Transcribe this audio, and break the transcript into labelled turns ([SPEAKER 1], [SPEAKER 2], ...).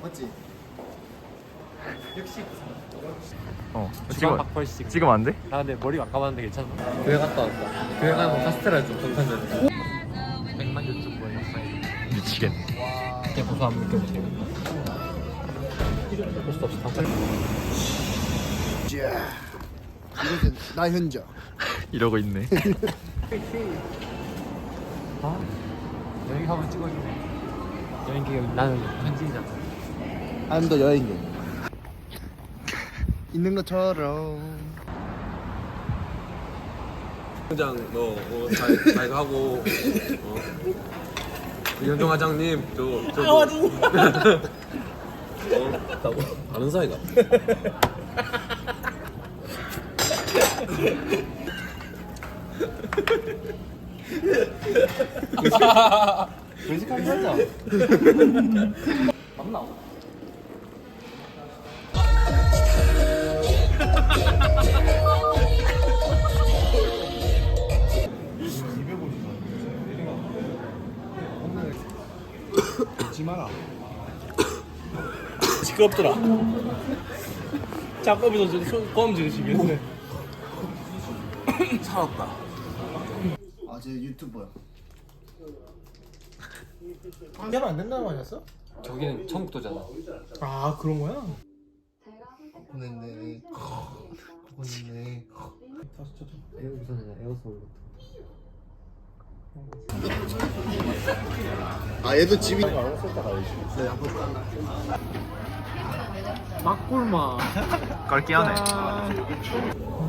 [SPEAKER 1] 맞지?
[SPEAKER 2] 역시
[SPEAKER 3] 지금
[SPEAKER 2] 박벌식.
[SPEAKER 3] 지금 안 돼?
[SPEAKER 2] 아 근데 머리가 아까웠는데 괜찮아? 교회 갔다 왔다. 교회 가면 카스테라를 좀 강타면 100만 유튜버의 역사에
[SPEAKER 3] 미치겠네.
[SPEAKER 2] 그때 고소함을 느껴보세요. 볼 수 없어.
[SPEAKER 1] 자, 이것은 나 현자.
[SPEAKER 3] 이러고 있네.
[SPEAKER 2] 아 여기 한번 찍어주네. 여행 기획 나는 현지인이잖아.
[SPEAKER 1] I'm the 여행객. 있는 것처럼.
[SPEAKER 4] 회장 잘 가고 현정 화장님 아는 사이가
[SPEAKER 2] 솔직한 거죠? 맞나?
[SPEAKER 1] 잊지 마라.
[SPEAKER 2] 시끄럽더라. 작업에서 손 지으시겠네.
[SPEAKER 4] 살았다.
[SPEAKER 1] 아, 제 유튜버야.
[SPEAKER 5] 관계는 안 된다는 거 아니었어?
[SPEAKER 2] 저기는 청국도잖아.
[SPEAKER 5] 아 그런 거야?
[SPEAKER 1] 보냈네. 보냈네.
[SPEAKER 2] 우선은 에어서울부터.
[SPEAKER 1] 아, 얘도 집이. 네,
[SPEAKER 2] 막골마.
[SPEAKER 3] 깔기하네.